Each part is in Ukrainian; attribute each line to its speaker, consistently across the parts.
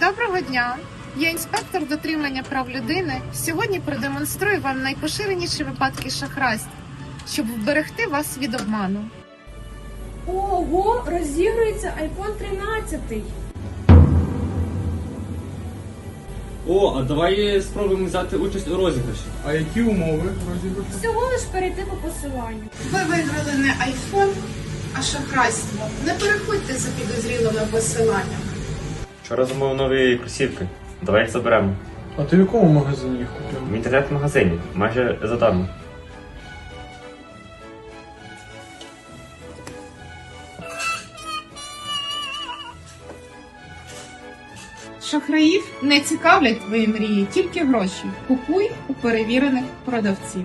Speaker 1: Доброго дня! Я інспектор дотримання прав людини. Сьогодні продемонструю вам найпоширеніші випадки шахрайств, щоб вберегти вас від обману.
Speaker 2: Ого, розігрується iPhone 13.
Speaker 3: О, а давай спробуємо взяти участь у розіграші.
Speaker 4: А які умови розіграшу?
Speaker 2: Всього лиш перейти по посиланню.
Speaker 1: Ви виграли не айфон, а шахрайство. Не переходьте за підозрілими посиланнями.
Speaker 5: Вчора замовив нові кросівки. Давай їх заберемо.
Speaker 4: А ти в якому магазині їх
Speaker 5: В
Speaker 4: купив?
Speaker 5: інтернет-магазині. Майже задармо.
Speaker 1: Шахраїв не цікавлять твої мрії, тільки гроші. Купуй у перевірених продавців.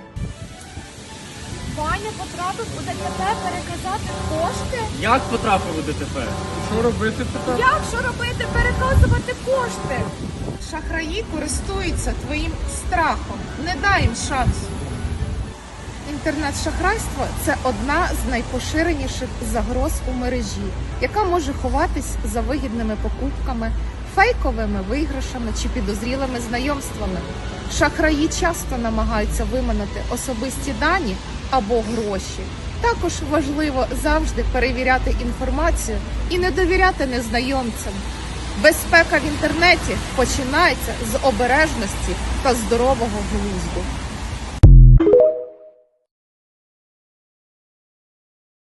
Speaker 2: Ваня потрапив у ДТП переказати кошти?
Speaker 3: Як потрапив у ДТП?
Speaker 4: Що робити тепер?
Speaker 2: Як що робити? Переказувати кошти?
Speaker 1: Шахраї користуються твоїм страхом. Не дай їм шансу. Інтернет-шахрайство – це одна з найпоширеніших загроз у мережі, яка може ховатись за вигідними покупками, фейковими виграшами чи підозрілими знайомствами. Шахраї часто намагаються виманити особисті дані або гроші. Також важливо завжди перевіряти інформацію і не довіряти незнайомцям. Безпека в інтернеті починається з обережності та здорового глузду.